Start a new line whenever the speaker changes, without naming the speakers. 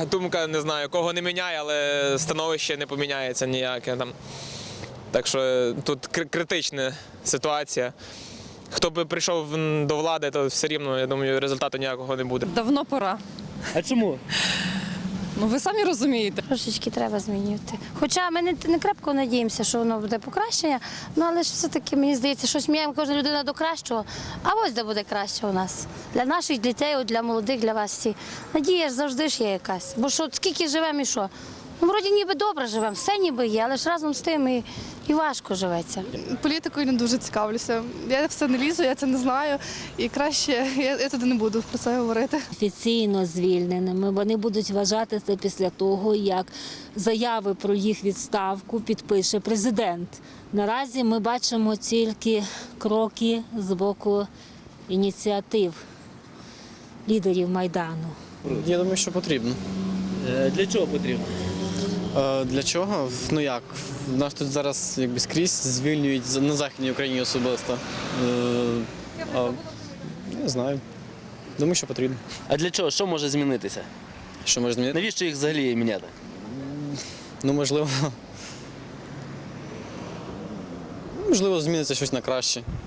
думка, не знаю, кого не міняє, але становище не поміняється ніяке там. Так що тут критична ситуація. Хто би прийшов до влади, то все рівно, я думаю, результату ніякого не буде.
Давно пора.
А чому?
Ну ви самі розумієте.
Трошечки треба змінювати. Хоча ми не крепко надіємося, що воно буде покращення, ну але ж все-таки, мені здається, щось міняємо кожна людина до кращого, а ось де буде краще у нас. Для наших дітей, для молодих, для вас всіх. Надія ж завжди ж є якась. Бо що, скільки живемо і що? Ну, вроді ніби добре живемо, все ніби є, але ж разом з тим і важко живеться.
Політикою не дуже цікавлюся. Я все не лізу, я це не знаю. І краще я туди не буду про це говорити.
Офіційно звільненими. Вони будуть вважати це після того, як заяви про їх відставку підпише президент. Наразі ми бачимо тільки кроки з боку ініціатив лідерів Майдану.
Я думаю, що потрібно.
Для чого потрібно?
Для чого? Ну як? Нас тут зараз якби скрізь звільнюють на Західній Україні особисто. Не знаю. Думаю, що потрібно.
А для чого? Що може змінитися?
Що може змінити?
Навіщо їх взагалі міняти?
Ну, можливо, зміниться щось на краще.